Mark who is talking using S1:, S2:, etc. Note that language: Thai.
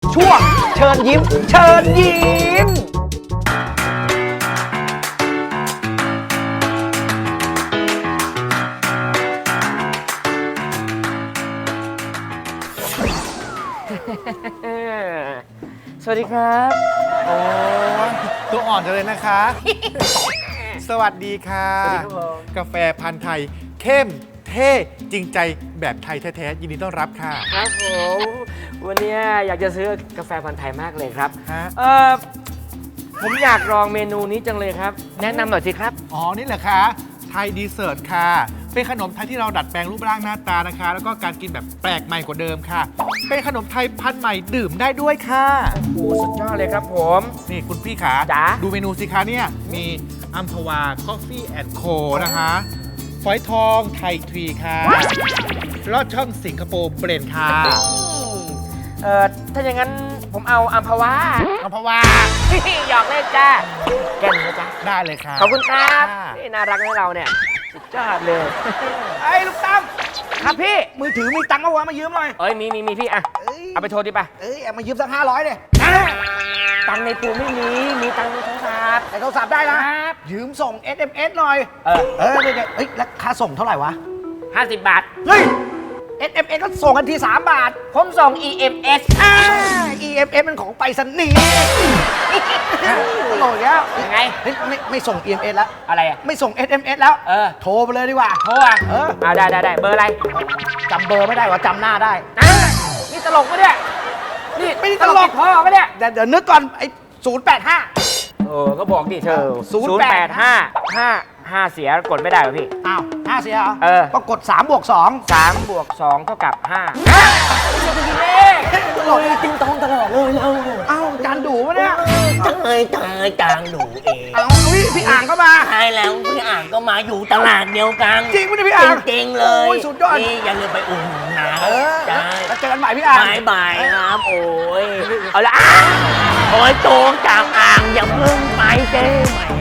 S1: ช่วงเชิญยิ้มเชิญยิ้ม
S2: สวัสดีครับ
S3: โอ้ยตัวอ่อนจังเลยนะคะ สวัสดีค่ะ
S2: สวัสดีครับผม
S3: กาแฟพันธุ์ไทย เข้มเท่จริงใจแบบไทยแท้ๆยินดีต้อนรับค่ะ
S2: ครับผม วันนี้อยากจะซื้อกาแฟพันธุ์ไทยมากเลยครับ
S3: ฮะ
S2: ผมอยากลองเมนูนี้จังเลยครับ แนะนำหน่อยสิครับ
S3: อ๋อ นี่เหรอคะไทยดีเซิร์ตค่ะ เป็นขนมไทยที่เราดัดแปลงรูปร่างหน้าตานะคะ แล้วก็การกินแบบแปลกใหม่กว่าเดิมค่ะ เป็นขนมไทยพันธุ์ใหม่ดื่มได้ด้วยค่ะ
S2: โอ้สุดยอดเลยครับผม
S3: นี่คุณพี่ขา
S2: จ๋า
S3: ดูเมนูสิคะเนี่ย มีอัมพวาคอฟฟี่แอนด์โคนะคะฝอยทองไทยทรีค่ะลอดช่องสิงคโปร์เบรนด์ค่ะ
S2: ถ้าอย่างนั้นผมเอาอัมพวา
S3: อัมพวา
S2: หยอกเล่นจ้าแก้มนะจ๊ะ
S3: ได้เลยค่ะ
S2: ขอบคุณครับ
S3: ค่ะ
S2: นี่น่ารักให้เราเนี่ย สุดยอดเลย
S1: ไอ้ลูกตั้ม
S2: ครับพี่
S1: มือถือมีตังค์เอาวะมายืมหน่อย
S2: เอ้ยมีพี่อะ
S1: เอ้ย
S2: เอาไปโทรดิป่ะ
S1: เอามายืมสัก500เลย
S2: ตังค์ในตัวไม่มี มีตังค์ในโทรศัพท์
S1: แต่โทรศัพท์ได้นะ ยืมส่ง SMS หน่อย
S2: เออ
S1: เดี๋ยวเฮ้ยแล้วค่าส่งเท่าไหร่วะ
S2: 50 บาท
S1: เฮ้ย SMS ก็ส่งกันที3 บาท
S2: ผมส่ง EMS
S1: EMS มันของไปรษณีย์ตลกแล้ว
S2: ยังไง
S1: เฮ้ยไม่ส่ง EMS แล้ว
S2: อะไรอะ
S1: ไม่ส่ง SMS แล้ว
S2: เออ
S1: โทรไปเลยดีกว่า
S2: โทรอ่ะ
S1: เออ
S2: ได้เบอร์อะไร
S1: จำเบอร์ไม่ได้ว่าจำหน้าได้
S2: อ่ะนี่ตลกปะเนี่ย นี่
S1: ไม่ได้ตลก
S2: ติดพ่อปะเนี่ย
S1: เดี๋ยวนึกก่อนไอ้085
S2: ก็บอกดิเธอ 085 เสียกดไม่ได้เหรอพี่
S1: อ้าว5เสียเหรอ
S2: เออ
S1: ก็กด3 บวก 2
S2: 3 บวก 2 เท่ากับ 5
S1: ตลก
S4: ติงตองตลอดเลยเรา
S1: เอ้าจานดูวะเนี่ย
S4: ตายจางหนูเอง
S1: เอาพี่อ่างก็มา
S4: ใช่แล้วพี่อ่างก็มาอยู่ตลาดเดียวกัน
S1: จริงปะเนี่ยพี่อ่าง
S4: จริงๆเลย
S1: โอ้ยสุดยอด
S4: นี่อย่าลืมไปอุ่นหนุนนะ
S1: เออ
S4: ใช่
S1: แล้วเจอกันใหม่พี่อ่าง
S4: บายครับโอ้ยเอาละโอ้ยโตจากอ่างอย่าเพิ่งไปเจ้